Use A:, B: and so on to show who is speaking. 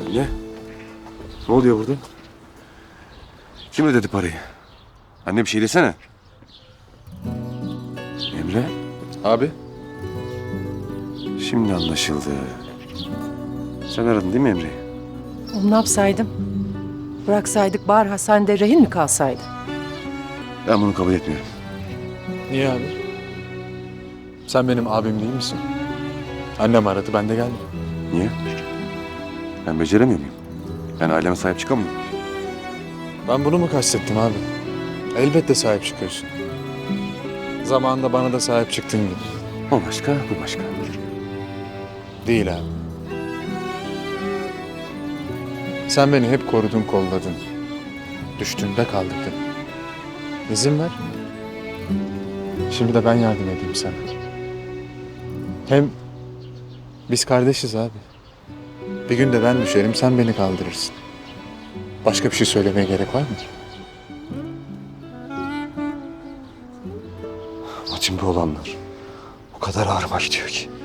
A: Ne? Ne oluyor burada? Kim ödedi parayı? Anne bir şey desene. Emre?
B: Abi?
A: Şimdi anlaşıldı. Sen aradın değil mi Emre'yi?
C: Oğlum ne yapsaydım? Bıraksaydık bari hastanede rehin mi kalsaydı?
A: Ben bunu kabul etmiyorum.
B: Niye abi? Sen benim abim değil misin? Annem aradı, ben de geldim.
A: Niye? Ben beceremiyor muyum? Ben aileme sahip çıkamıyorum.
B: Ben bunu mu kastettim abi? Elbette sahip çıkıyorsun. Zamanında bana da sahip çıktığın gibi.
A: O başka, bu başka.
B: Değil abi. Sen beni hep korudun, kolladın. Düştüğümde kaldırdın. İzin ver. Şimdi de ben yardım edeyim sana. Hem biz kardeşiz abi. Bir gün de ben düşerim, sen beni kaldırırsın. Başka bir şey söylemeye gerek var mı?
A: İçimde olanlar o kadar ağrıma gidiyor ki.